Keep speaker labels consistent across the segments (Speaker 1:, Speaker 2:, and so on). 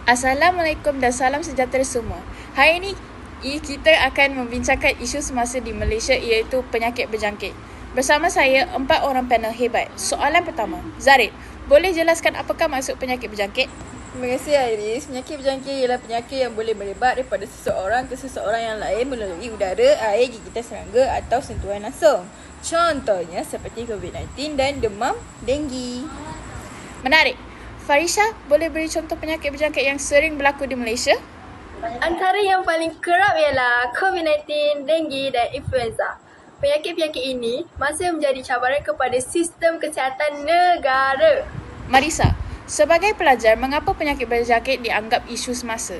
Speaker 1: Assalamualaikum dan salam sejahtera semua. Hari ini kita akan membincangkan isu semasa di Malaysia iaitu penyakit berjangkit. Bersama saya 4 orang panel hebat. Soalan pertama, Zarid, boleh jelaskan apakah maksud penyakit berjangkit?
Speaker 2: Terima kasih Iris. Penyakit berjangkit ialah penyakit yang boleh merebak daripada seseorang ke seseorang yang lain melalui udara, air, gigitan serangga atau sentuhan langsung. Contohnya seperti COVID-19 dan demam denggi.
Speaker 1: Menarik. Farisha, boleh beri contoh penyakit berjangkit yang sering berlaku di Malaysia?
Speaker 3: Antara yang paling kerap ialah COVID-19, denggi dan influenza. Penyakit-penyakit ini masih menjadi cabaran kepada sistem kesihatan negara.
Speaker 1: Marisa, sebagai pelajar, mengapa penyakit berjangkit dianggap isu semasa?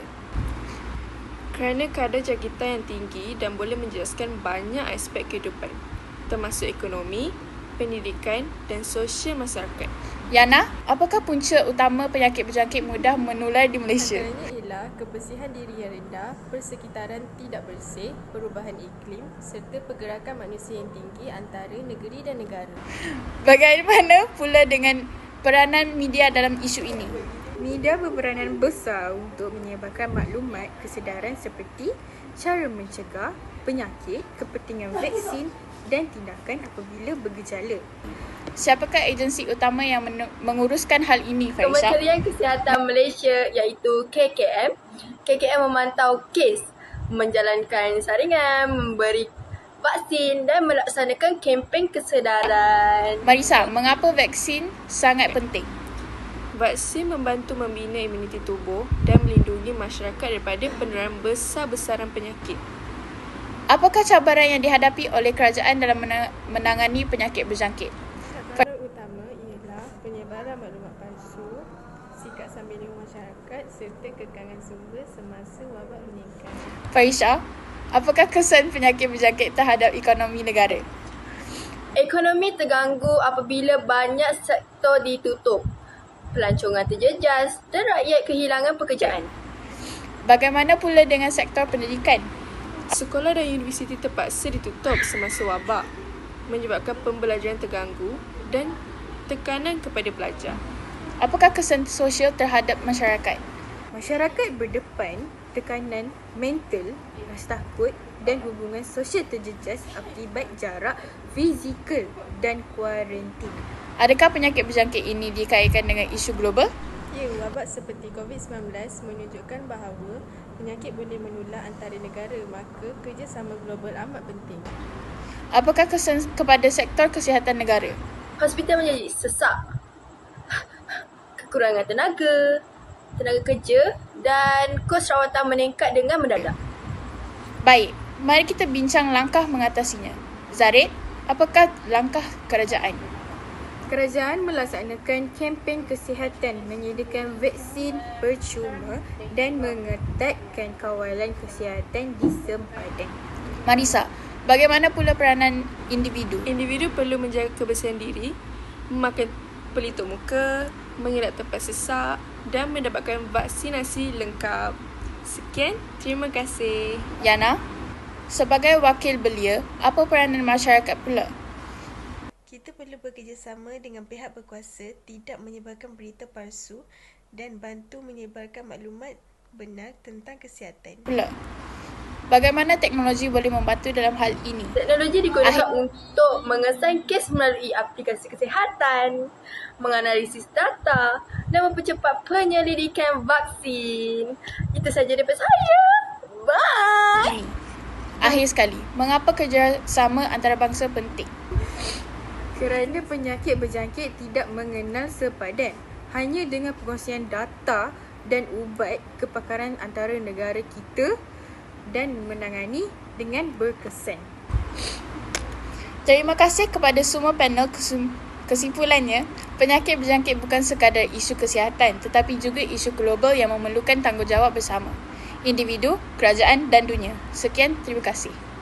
Speaker 4: Kerana kadar jangkitan yang tinggi dan boleh menjelaskan banyak aspek kehidupan, termasuk ekonomi, pendidikan dan sosial masyarakat.
Speaker 1: Yana, apakah punca utama penyakit berjangkit mudah menular di Malaysia?
Speaker 5: Antaranya ialah kebersihan diri yang rendah, persekitaran tidak bersih, perubahan iklim serta pergerakan manusia yang tinggi antara negeri dan negara.
Speaker 1: Bagaimana pula dengan peranan media dalam isu ini?
Speaker 2: Media berperanan besar untuk menyebarkan maklumat kesedaran seperti cara mencegah penyakit, kepentingan vaksin dan tindakan apabila bergejala.
Speaker 1: Siapakah agensi utama yang menguruskan hal ini, Farisha?
Speaker 3: Kementerian Kesihatan Malaysia iaitu KKM. KKM memantau kes, menjalankan saringan, memberi vaksin dan melaksanakan kempen kesedaran.
Speaker 1: Marisa, mengapa vaksin sangat penting?
Speaker 4: Vaksin membantu membina imuniti tubuh dan melindungi masyarakat daripada penularan besar-besaran penyakit.
Speaker 1: Apakah cabaran yang dihadapi oleh kerajaan dalam menangani penyakit berjangkit?
Speaker 5: Cabaran utama ialah penyebaran maklumat palsu, sikap sambil masyarakat serta kekangan sumber semasa wabak meningkat.
Speaker 1: Farisha, apakah kesan penyakit berjangkit terhadap ekonomi negara?
Speaker 3: Ekonomi terganggu apabila banyak sektor ditutup, pelancongan terjejas dan rakyat kehilangan pekerjaan.
Speaker 1: Bagaimana pula dengan sektor pendidikan?
Speaker 4: Sekolah dan universiti terpaksa ditutup semasa wabak, menyebabkan pembelajaran terganggu dan tekanan kepada pelajar.
Speaker 1: Apakah kesan sosial terhadap masyarakat?
Speaker 2: Masyarakat berdepan tekanan mental, rasa takut dan hubungan sosial terjejas akibat jarak fizikal dan kuarantin.
Speaker 1: Adakah penyakit berjangkit ini dikaitkan dengan isu global?
Speaker 5: Ya, wabak seperti COVID-19 menunjukkan bahawa penyakit boleh menular antara negara, maka kerjasama global amat penting.
Speaker 1: Apakah kesan kepada sektor kesihatan negara?
Speaker 3: Hospital menjadi sesak, kekurangan tenaga kerja dan kos rawatan meningkat dengan mendadak.
Speaker 1: Baik, mari kita bincang langkah mengatasinya. Zarid, apakah langkah kerajaan?
Speaker 2: Kerajaan melaksanakan kempen kesihatan, menyediakan vaksin percuma dan mengetatkan kawalan kesihatan di sempadan.
Speaker 1: Marisa, bagaimana pula peranan individu?
Speaker 4: Individu perlu menjaga kebersihan diri, memakai pelitup muka, mengelak tempat sesak dan mendapatkan vaksinasi lengkap. Sekian, terima kasih.
Speaker 1: Yana, sebagai wakil belia, apa peranan masyarakat pula?
Speaker 5: Kita perlu bekerjasama dengan pihak berkuasa, tidak menyebarkan berita palsu dan bantu menyebarkan maklumat benar tentang kesihatan.
Speaker 1: Pula, bagaimana teknologi boleh membantu dalam hal ini?
Speaker 3: Teknologi digunakan untuk mengesan kes melalui aplikasi kesihatan, menganalisis data dan mempercepat penyelidikan vaksin. Itu saja daripada saya. Bye!
Speaker 1: Akhir sekali, mengapa kerjasama antarabangsa penting?
Speaker 2: Kerana penyakit berjangkit tidak mengenal sepadan. Hanya dengan perkongsian data dan ubat kepakaran antara negara kita dan menangani dengan berkesan.
Speaker 1: Terima kasih kepada semua panel. Kesimpulannya, penyakit berjangkit bukan sekadar isu kesihatan tetapi juga isu global yang memerlukan tanggungjawab bersama individu, kerajaan dan dunia. Sekian, terima kasih.